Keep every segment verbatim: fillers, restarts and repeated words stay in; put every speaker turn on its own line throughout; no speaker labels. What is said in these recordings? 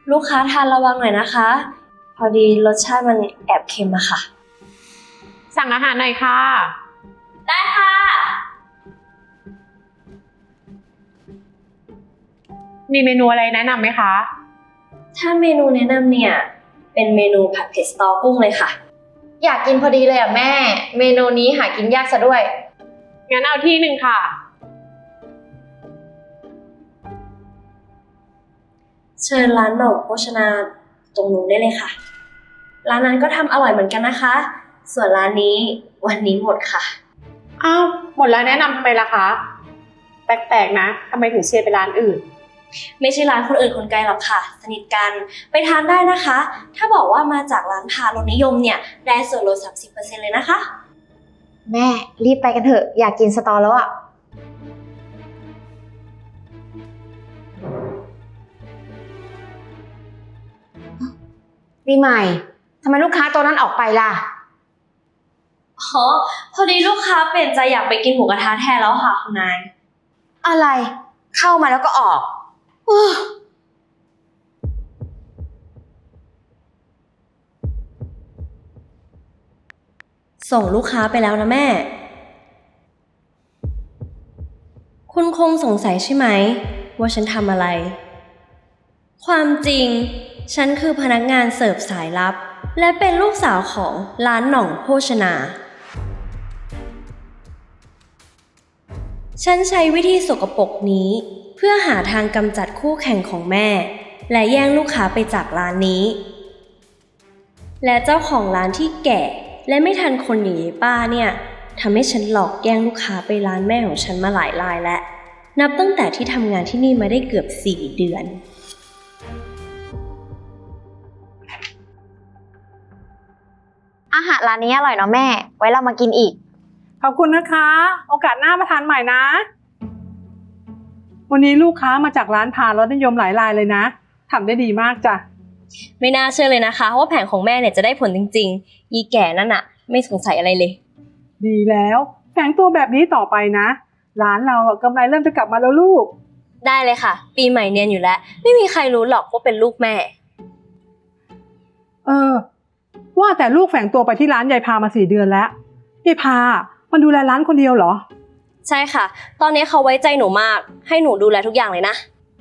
ลูกค้าทานระวังหน่อยนะคะ พอดีรสชาติมันแอบเค็มอะค่ะ
สั่งอาหารหน่อยค่ะ
ได้ค่ะ
มีเมนูอะไรแนะนำไหมคะ
ถ้าเมนูแนะนำเนี่ย เป็นเมนูผัดเผ็ดสตอกุ้งเลยค่ะ
อยากกินพอดีเลยอ่ะแม่ เมนูนี้หากินยากซะด้วย
งั้นเอาที่หนึ่งค่ะ
เชิญร้านหน่องโภชนาตรงนู้นได้เลยค่ะ ร้านนั้นก็ทำอร่อยเหมือนกันนะคะ ส่วนร้านนี้วันนี้หมดค่ะ
อ้าว หมดแล้วแนะนำทำไมล่ะคะ แปลกๆนะทำไมถึงเชียร์ไปร้านอื่น
ไม่ใช่ร้านคนอื่นคนไกลหรอกค่ะ สนิทกันไปทานได้นะคะ ถ้าบอกว่ามาจากร้านพารสนิยมเนี่ยได้ส่วนลด สามสิบเปอร์เซ็นต์ เลยนะคะ
แม่รีบไปกันเถอะอยากกินสตอแล้วอ่ะปีใหม่ทำไมลูกค้าตัวนั้นออกไปล่ะ
อ๋อ พอดีลูกค้าเปลี่ยนใจอยากไปกินหมูกระทะแทนแล้วค่ะคุณนาย
อะไรเข้ามาแล้วก็ออกอ้อ
ส่งลูกค้าไปแล้วนะแม่ คุณคงสงสัยใช่ไหมว่าฉันทำอะไร ความจริง ฉันคือพนักงานเสิร์ฟสายลับ และเป็นลูกสาวของร้านหน่องโภชนา ฉันใช้วิธีสกปรกนี้เพื่อหาทางกำจัดคู่แข่งของแม่ และแย่งลูกค้าไปจากร้านนี้ และเจ้าของร้านที่แก่และไม่ทันคนอย่างยายป้าเนี่ยทำให้ฉันหลอกแย่งลูกค้าไปร้านแม่ของฉันมาหลายรายแล้วนับตั้งแต่ที่ทำงานที่นี่มาได้เกือบสี่เดือน
อาหารร้านนี้อร่อยเนาะแม่ ไว้เรามากินอีก
ขอบคุณนะคะ โอกาสหน้ามาทานใหม่นะ วันนี้ลูกค้ามาจากร้านพารสนิยมหลายรายเลยนะทำได้ดีมากจ้ะ
ไม่น่าเชื่อเลยนะคะว่าแผนของแม่เนี่ยจะได้ผลจริงๆยีแก่นั่นอะไม่สงสัยอะไรเลย
ดีแล้วแฝงตัวแบบนี้ต่อไปนะร้านเราอะกำไรเริ่มจะกลับมาแล้วลูก
ได้เลยค่ะ ปีใหม่เนียนอยู่แล้วไม่มีใครรู้หรอกว่าเป็นลูกแม่
เออ ว่าแต่ลูกแฝงตัวไปที่ร้านยายพามาสี่เดือนแล้วยายพามันดูแลร้านคนเดียวเหรอ
ใช่ค่ะ ตอนนี้เขาไว้ใจหนูมากให้หนูดูแลทุกอย่างเลยนะ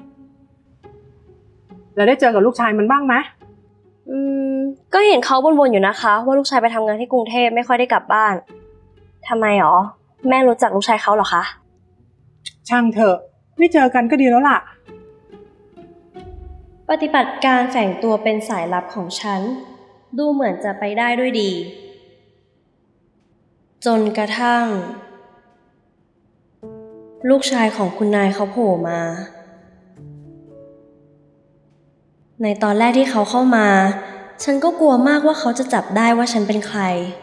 แล้วได้เจอกับลูกชายมันบ้างไหม
อืมก็เห็นเขาบ่นๆอยู่นะคะว่าลูกชายไปทำงานที่กรุงเทพไม่ค่อยได้กลับบ้านทำไมหรอแม่รู้จักลูกชายเขาเหรอคะ
ช่างเถอะไม่เจอกันก็ดีแล้วล่ะ
ปฏิบัติการแฝงตัวเป็นสายลับของฉันดูเหมือนจะไปได้ด้วยดี จนกระทั่ง ลูกชายของคุณนายเขาโผล่มา ในตอนแรกที่เขาเข้ามาฉันก็กลัวมากว่าเขาจะจับได้ว่าฉันเป็นใคร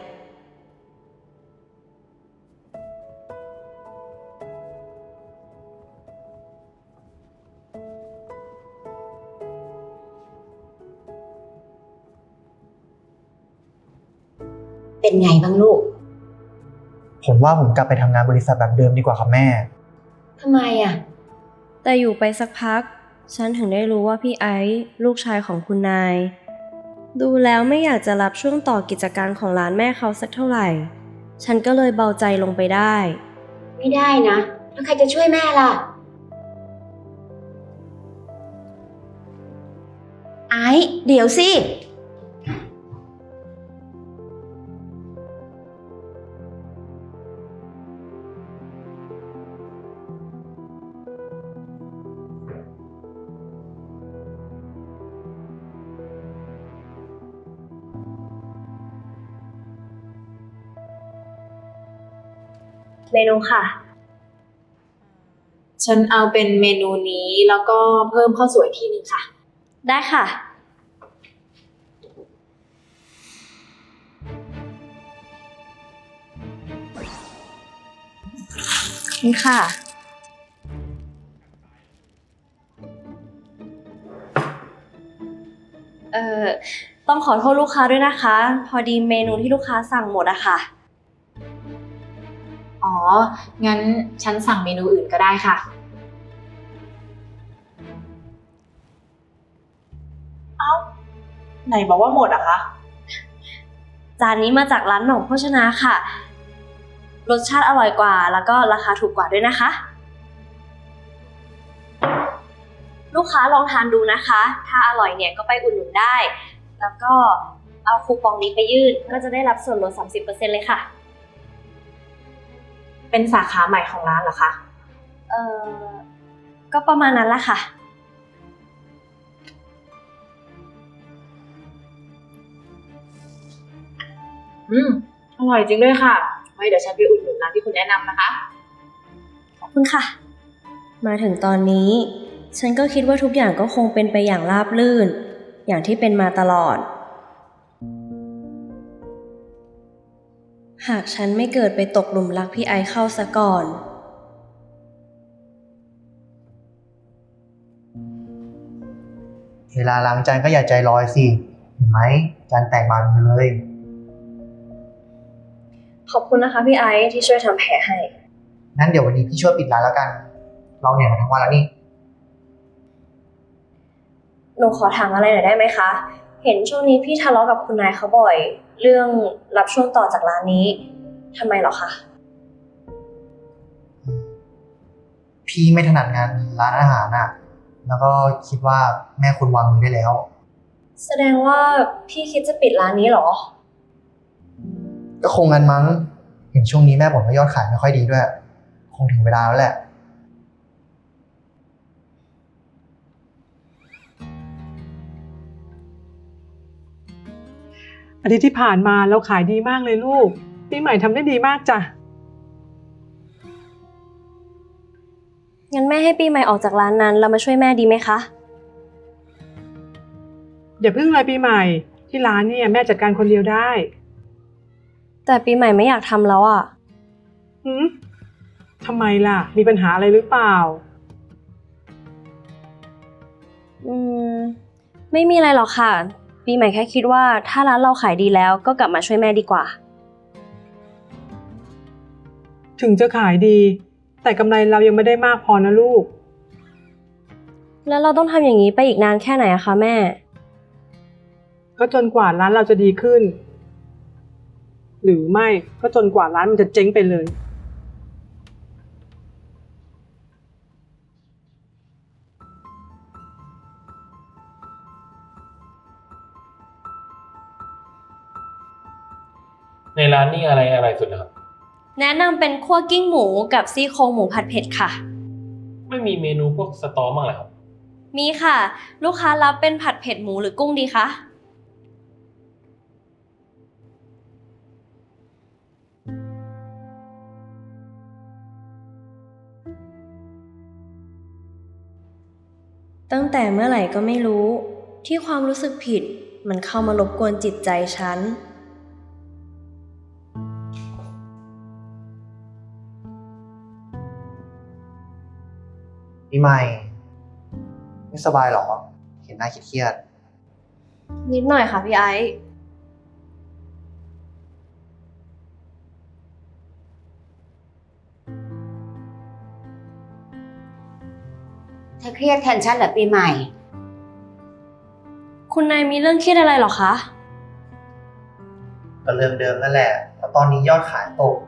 เป็นไงบ้างลูก
ผมว่าผมกลับไปทำงานบริษัทแบบเดิมดีกว่าครับแม่
ทำไมอ่ะ
แต่อยู่ไปสักพักฉันถึงได้รู้ว่าพี่ไอซ์ลูกชายของคุณนาย ดูแล้วไม่อยากจะรับช่วงต่อกิจการของร้านแม่เขาสักเท่าไหร่ ฉันก็เลยเบาใจลงไปได้
ไม่ได้นะแล้วใครจะช่วยแม่ล่ะ ไอ้เดี๋ยวสิ
เมนูค่ะ
ฉันเอาเป็นเมนูนี้แล้วก็เพิ่มข้าวสวยที่หนึ่งค่ะ
ได้ค่ะ
นี่ค่ะ
เอ่อ ต้องขอโทษลูกค้าด้วยนะคะ พอดีเมนูที่ลูกค้าสั่งหมดอะค่ะ
อ๋อ งั้นฉันสั่งเมนูอื่นก็ได้ค่ะ
ไหนบอกว่าหมดอะคะ
จานนี้มาจากร้านหน่องโภชนาค่ะ รสชาติอร่อยกว่า แล้วก็ราคาถูกกว่าด้วยนะคะ ลูกค้าลองทานดูนะคะ ถ้าอร่อยเนี่ยก็ไปอุดหนุนได้ แล้วก็เอาคูปองนี้ไปยื่นก็จะได้รับส่วนลด สามสิบเปอร์เซ็นต์ เลยค่ะ
เป็นสาขาใหม่ของร้านเหรอคะ
เออก็ประมาณนั้นละค่ะ
อืมอร่อยจริงด้วยค่ะ ไว้เดี๋ยวฉันไปอุดหนุนร้านที่คุณแนะนำนะคะ
ขอบคุณค่ะ มาถึงตอนนี้ ฉันก็คิดว่าทุกอย่างก็คงเป็นไปอย่างราบรื่น อย่างที่เป็นมาตลอด หากฉันไม่เกิดไปตกหลุมรักพี่ไอซ์เข้าซะก่อน
เวลาล้างจานก็อย่าใจลอยสิ เห็นไหมจานแตกบานเลย
ขอบคุณนะคะพี่ไอซ์ที่ช่วยทำแผลให้
งั้นเดี๋ยววันนี้พี่ช่วยปิดร้านแล้วกัน เราเหนื่อยมาทั้งวันแล้วนี่
หนูขอถามอะไรหน่อยได้ไหมคะ เห็นช่วงนี้พี่ทะเลาะกับคุณนายเขาบ่อย เรื่องรับช่วงต่อจากร้านนี้ทำไมเหรอคะ
พี่ไม่ถนัดงานร้านอาหารน่ะ แล้วก็คิดว่าแม่คุณวางมือได้แล้ว
แสดงว่าพี่คิดจะปิดร้านนี้เหรอ
ก็คงงั้นมั้ง เห็นช่วงนี้แม่บ่นว่ายอดขายไม่ค่อยดีด้วย คงถึงเวลาแล้วแหละ
อาทิตย์ที่ผ่านมาเราขายดีมากเลยลูกปีใหม่ทำได้ดีมากจ้ะ
งั้นแม่ให้ปีใหม่ออกจากร้านนั้นเรามาช่วยแม่ดีไหมคะ
อย่าเพิ่งเลยปีใหม่ที่ร้านเนี่ยแม่จัดการคนเดียวได้
แต่ปีใหม่ไม่อยากทำแล้วอ่ะ
หืมทำไมล่ะมีปัญหาอะไรหรือเปล่า
อืม ไม่มีอะไรหรอกค่ะ ปีใหม่แค่คิดว่าถ้าร้านเราขายดีแล้วก็กลับมาช่วยแม่ดีกว่า
ถึงจะขายดี แต่กำไรเรายังไม่ได้มากพอนะลูก
แล้วเราต้องทำอย่างนี้ไปอีกนานแค่ไหนอะคะแม่
ก็จนกว่าร้านเราจะดีขึ้น หรือไม่ก็จนกว่าร้านมันจะเจ๊งไปเลย
ในร้านนี่อะไรอะไรสุดนะครับ
แนะนำเป็นคั่วกิ้งหมูกับซี่โครงหมูผัดเผ็ดค่ะ
ไม่มีเมนูพวกสตอบ้างเหรอครับ
มีค่ะ ลูกค้ารับเป็นผัดเผ็ดหมูหรือกุ้งดีคะ ตั้งแต่เมื่อไหร่ก็ไม่รู้ ที่ความรู้สึกผิดมันเข้ามารบกวนจิตใจฉัน
ปีใหม่ ไม่สบายหรอ เห็นหน้าเครียด
นิดหน่อยค่ะพี่ไอซ์
เธอเครียดแทนฉันเหรอปีใหม่
คุณนายมีเรื่องเครียดอะไรเหรอคะ
ๆก็เรื่องเดิมนั่นแหละเพราะตอนนี้ยอดขายตก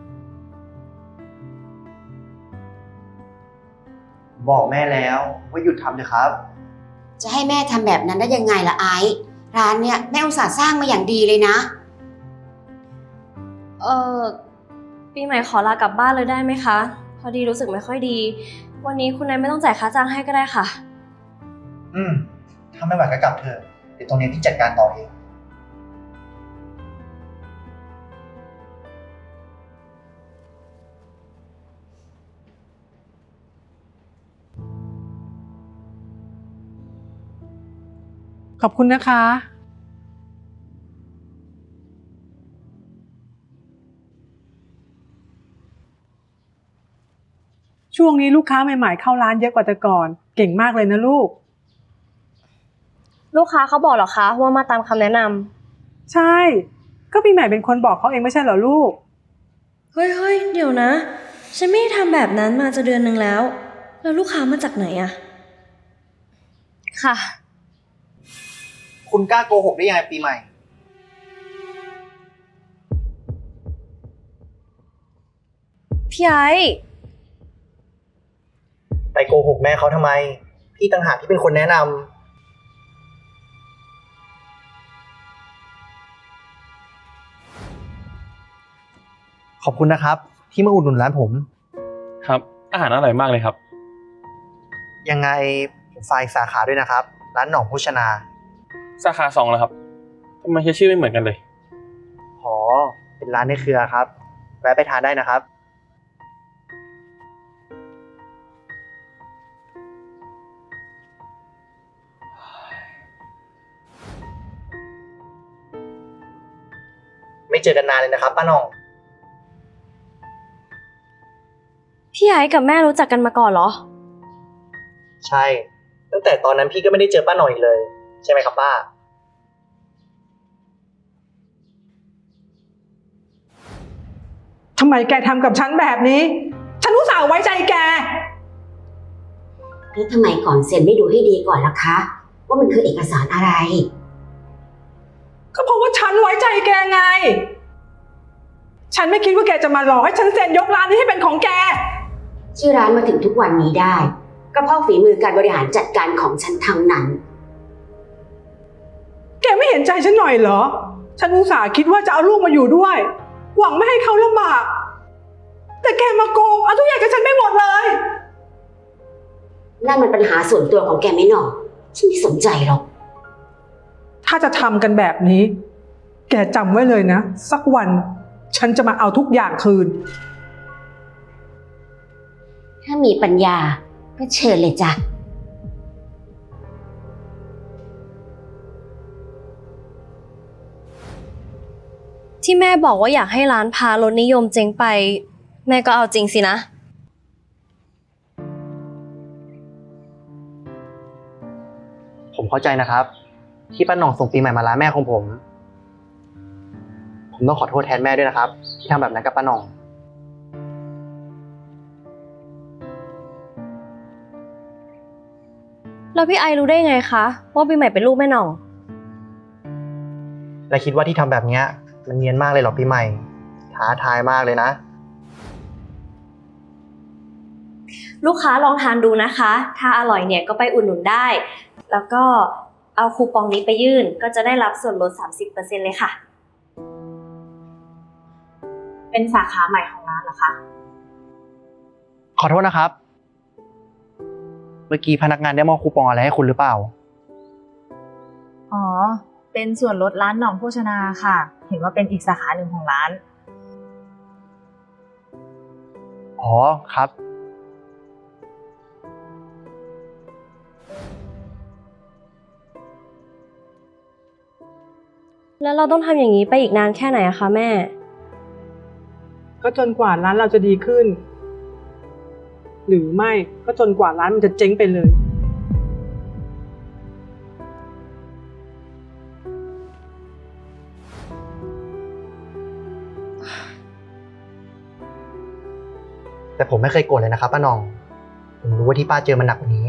บอกแม่แล้วว่าหยุดทำเถอะครับ
จะให้แม่ทำแบบนั้นได้ยังไงล่ะไอซ์ร้านเนี้ยแม่อุตส่าห์สร้างมาอย่างดีเลยนะ
เออปีใหม่ขอลากลับบ้านเลยได้ไหมคะ พอดีรู้สึกไม่ค่อยดี วันนี้คุณนายไม่ต้องจ่ายค่าจ้างให้ก็ได้ค่ะ
อืมถ้าไม่ไหวก็กลับเถอะ เดี๋ยวตรงนี้พี่จัดการต่อเอง
ขอบคุณนะคะ ช่วงนี้ลูกค้าใหม่ๆเข้าร้านเยอะกว่าแต่ก่อน เก่งมากเลยนะลูก
ลูกค้าเขาบอกเหรอคะว่ามาตามคำแนะนำ
ใช่ ก็ปีใหม่เป็นคนบอกเขาเองไม่ใช่เหรอลูก
เฮ้ยเฮ้ยเดี๋ยวนะ ฉันไม่ได้ทำแบบนั้นมาจะเดือนหนึ่งแล้ว แล้วลูกค้ามาจากไหนอะค่ะ
คุณกล้าโกหกได้ยังไงปีใหม่
พี่ไอ้
ไปโกหกแม่เขาทำไม พี่ต่างหากที่เป็นคนแนะนำขอบคุณนะครับ ที่มาอุดหนุนร้านผม
ครับ อาหารอร่อยมากเลยครับ
ยังไงผมฝากอีกสาขาด้วยนะครับ ร้านหน่องโภชนา
สาขาสองแล้วครับทำไมใช้ชื่อไม่เหมือนกันเลย
อ๋อ เป็นร้านในเครือครับ แวะไปทานได้นะครับ ไม่เจอกันนานเลยนะครับป้าหน่อง
พี่ไอ้กับแม่รู้จักกันมาก่อนเหรอ
ใช่ ตั้งแต่ตอนนั้นพี่ก็ไม่ได้เจอป้าหน่องอีกเลย ใช่ไหมครับป้า
ทำไมแกทำกับฉันแบบนี้ ฉันอุตส่าห์ไว้ใจแก
แล้วทำไมก่อนเซ็นไม่ดูให้ดีก่อนล่ะคะ ว่ามันคือเอกสารอะไร
ก็เพราะว่าฉันไว้ใจแกไง ฉันไม่คิดว่าแกจะมาหลอกให้ฉันเซ็นยกร้านนี้ให้เป็นของแก
ชื่อร้านมาถึงทุกวันนี้ได้ ก็เพราะฝีมือการบริหารจัดการของฉันทั้งนั้น
แกไม่เห็นใจฉันหน่อยเหรอ ฉันอุตส่าห์คิดว่าจะเอาลูกมาอยู่ด้วย หวังไม่ให้เขาลำบาก แต่แกมาโกงเอาทุกอย่างกับฉันไม่หมดเลย
นั่นมันปัญหาส่วนตัวของแกไม่หนอฉันไม่สนใจหรอก
ถ้าจะทำกันแบบนี้ แกจำไว้เลยนะ สักวันฉันจะมาเอาทุกอย่างคืน
ถ้ามีปัญญาก็เชิญเลยจ้ะ
ที่แม่บอกว่าอยากให้ร้านพารสนิยมเจ๊งไป แม่ก็เอาจริงสินะ
ผมเข้าใจนะครับ ที่ป้าหน่องส่งปีใหม่มาร้านแม่ของผม ผมต้องขอโทษแทนแม่ด้วยนะครับ ที่ทำแบบนั้นกับป้าหน่อง
แล้วพี่ไอรู้ได้ไงคะว่าปีใหม่เป็นลูกแม่หน่อง
และคิดว่าที่ทำแบบเนี้ยมันเนียนมากเลยเหรอปีใหม่ ท้าทายมากเลยนะ
ลูกค้าลองทานดูนะคะ ถ้าอร่อยเนี่ยก็ไปอุดหนุนได้ แล้วก็เอาคูปองนี้ไปยื่นก็จะได้รับส่วนลด สามสิบเปอร์เซ็นต์ เลยค่ะ
เป็นสาขาใหม่ของร้านเหรอคะ
ขอโทษนะครับ เมื่อกี้พนักงานได้มอบคูปองอะไรให้คุณหรือเปล่า
อ๋อ เป็นส่วนลดร้านหน่องโภชนาค่ะ เห็นว่าเป็นอีกสาขาหนึ่งของร้าน
อ๋อครับ
แล้วเราต้องทำอย่างนี้ไปอีกนานแค่ไหนอะคะแม่
ก็จนกว่าร้านเราจะดีขึ้น หรือไม่ก็จนกว่าร้านมันจะเจ๊งไปเลย
แต่ผมไม่เคยโกรธเลยนะครับป้าหน่อง ผมรู้ว่าที่ป้าเจอมันหนักกว่านี้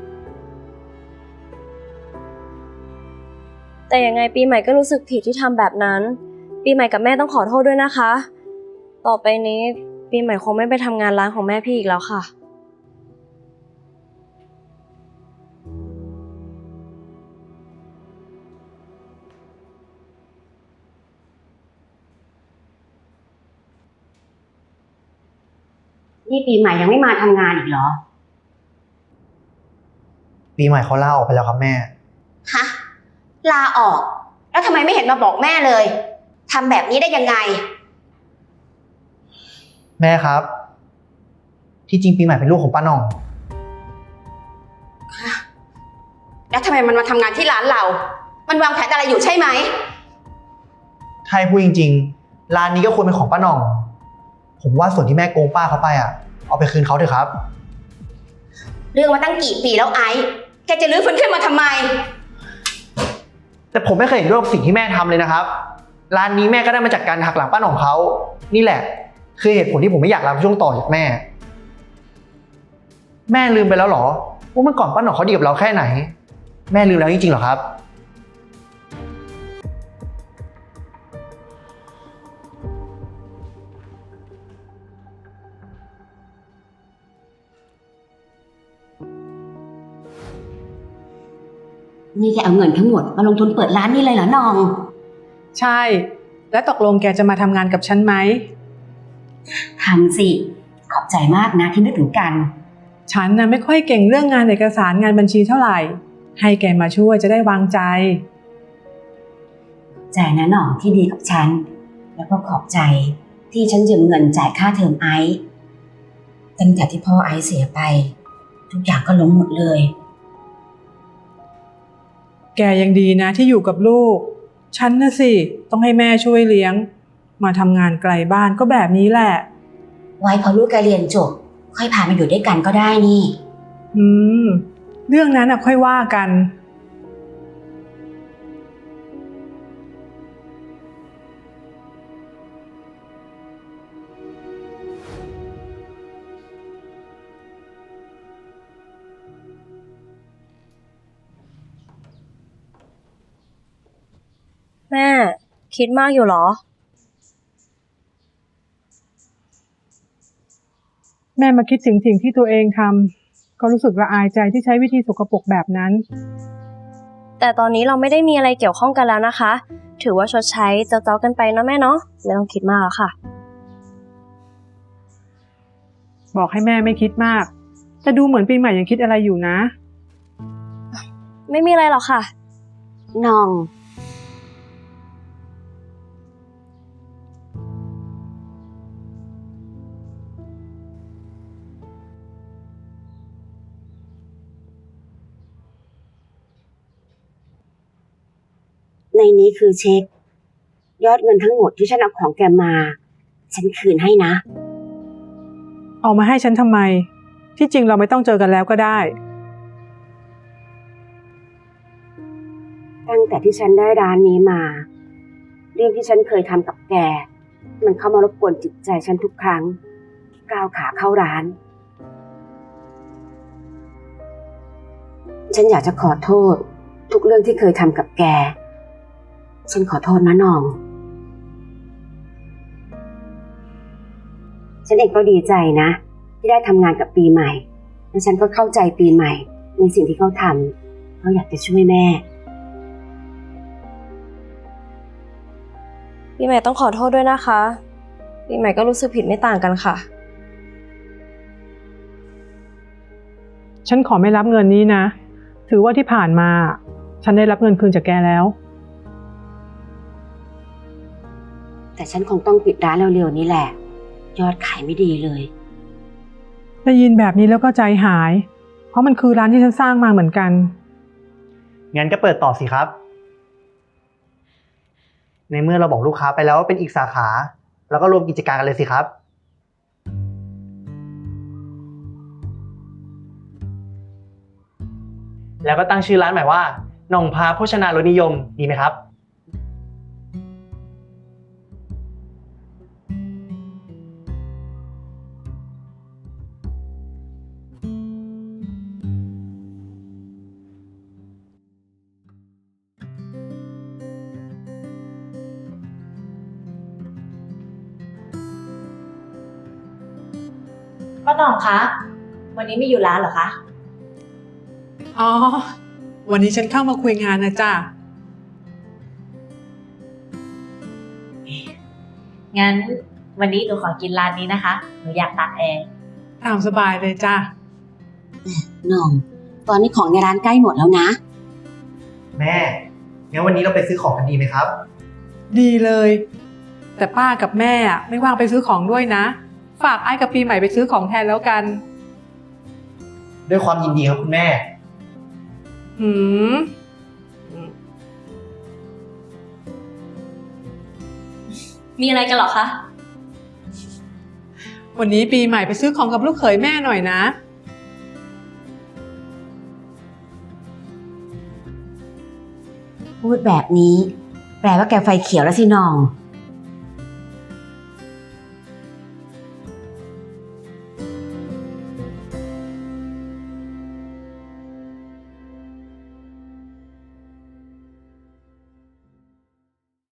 แต่ยังไงปีใหม่ก็รู้สึกผิดที่ทำแบบนั้น ปีใหม่กับแม่ต้องขอโทษด้วยนะคะ ต่อไปนี้ปีใหม่คงไม่ไปทำงานร้านของแม่พี่อีกแล้วค่ะ
นี่ปีใหม่ยังไม่มาทำงานอีกเหรอ
ปีใหม่เขาลาออกไปแล้วครับแม่
ฮะ ลาออก แล้วทำไมไม่เห็นมาบอกแม่เลยทำแบบนี้ได้ยังไง
แม่ครับ ที่จริงปีใหม่เป็นลูกของป้าหน่อง
แล้วทำไมมันมาทำงานที่ร้านเรา มันวางแผนอะไรอยู่ใช่ไหม
ถ้าให้พูดจริงๆ ร้านนี้ก็ควรเป็นของป้าหน่อง ผมว่าส่วนที่แม่โกงป้าเขาไปอ่ะ เอาไปคืนเขาเถอะครับ
เรื่องมาตั้งกี่ปีแล้วไอ้แกจะรื้อฟื้นขึ้นมาทำไม
แต่ผมไม่เคยเห็นด้วยกับสิ่งที่แม่ทำเลยนะครับ ร้านนี้แม่ก็ได้มาจากการหักหลังป้าหน่องเขา นี่แหละ คือเหตุผลที่ผมไม่อยากรับช่วงต่อจากแม่ แม่ลืมไปแล้วเหรอว่าเมื่อก่อนป้าหน่องเขาดีกับเราแค่ไหน แม่ลืมแล้วจริงๆเหรอครับ
นี่แกเอาเงินทั้งหมดมาลงทุนเปิดร้านนี่เลยเหรอน้อง
ใช่ และตกลงแกจะมาทำงานกับฉันไหม
ทำสิ ขอบใจมากนะที่นึกถึงกัน
ฉันน่ะไม่ค่อยเก่งเรื่องงานเอกสารงานบัญชีเท่าไหร่ ให้แกมาช่วยจะได้วางใจ
ใจนะน้องที่ดีกับฉัน แล้วก็ขอบใจที่ฉันยืมเงินจ่ายค่าเทอมไอซ์ตั้งแต่ที่พ่อไอซ์เสียไป ทุกอย่างก็ล้มหมดเลย
แกยังดีนะที่อยู่กับลูก ฉันน่ะสิต้องให้แม่ช่วยเลี้ยง มาทำงานไกลบ้านก็แบบนี้แหละ
ไว้พอลูกแกเรียนจบ ค่อยพามาอยู่ด้วยกันก็ได้นี่
อืม เรื่องนั้นน่ะค่อยว่ากัน
แม่คิดมากอยู่เหรอ
แม่มาคิดถึงสิ่งที่ตัวเองทำก็รู้สึกละอายใจที่ใช้วิธีสกปรกแบบนั้น
แต่ตอนนี้เราไม่ได้มีอะไรเกี่ยวข้องกันแล้วนะคะ ถือว่าชดใช้เจ้าๆกันไปนะแม่เนาะไม่ต้องคิดมากแล้วค่ะ
บอกให้แม่ไม่คิดมาก แต่ดูเหมือนปีใหม่ยังคิดอะไรอยู่นะ
ไม่มีอะไรหรอกค่ะ
น้อง ในนี้คือเช็ค ยอดเงินทั้งหมดที่ฉันเอาของแกมา ฉันคืนให้นะ
เอามาให้ฉันทำไม ที่จริงเราไม่ต้องเจอกันแล้วก็ได้
ตั้งแต่ที่ฉันได้ร้านนี้มา เรื่องที่ฉันเคยทำกับแก มันเข้ามารบกวนจิตใจฉันทุกครั้งที่ก้าวขาเข้าร้าน ฉันอยากจะขอโทษ ทุกเรื่องที่เคยทำกับแก ฉันขอโทษนะน้อง ฉันเองก็ดีใจนะ ที่ได้ทำงานกับปีใหม่ และฉันก็เข้าใจปีใหม่ในสิ่งที่เขาทำเขาอยากจะช่วยแม่
ปีใหม่ต้องขอโทษด้วยนะคะ ปีใหม่ก็รู้สึกผิดไม่ต่างกันค่ะ
ฉันขอไม่รับเงินนี้นะ ถือว่าที่ผ่านมา ฉันได้รับเงินคืนจากแกแล้ว
แต่ฉันคงต้องปิดร้านเร็วๆนี้แหละ ยอดขายไม่ดีเลย
ได้ยินแบบนี้แล้วก็ใจหาย เพราะมันคือร้านที่ฉันสร้างมาเหมือนกัน
งั้นก็เปิดต่อสิครับ ในเมื่อเราบอกลูกค้าไปแล้วว่าเป็นอีกสาขา แล้วก็รวมกิจการกันเลยสิครับ แล้วก็ตั้งชื่อร้านใหม่ว่าหน่องพาโภชนารสนิยมดีไหมครับ
ป้าหน่องคะ วันนี้ไม่อยู่ร้านเหรอคะ
อ๋อ วันนี้ฉันเข้ามาคุยงานนะจ้ะ
งั้นวันนี้หนูขอกินร้านนี้นะคะ หนูอยากตักเอง
ตามสบายเลยจ้ะ
น้อง ตอนนี้ของในร้านใกล้หมดแล้วนะ
แม่ งั้นวันนี้เราไปซื้อของกันดีไหมครับ
ดีเลย แต่ป้ากับแม่อะไม่ว่างไปซื้อของด้วยนะ ฝากไอ้กับปีใหม่ไปซื้อของแทนแล้วกัน
ด้วยความยินดีครับคุณแม่
หืม
มีอะไรกันเหรอคะ
วันนี้ปีใหม่ไปซื้อของกับลูกเขยแม่หน่อยนะ
พูดแบบนี้ แปลว่าแกไฟเขียวแล้วสิน้อง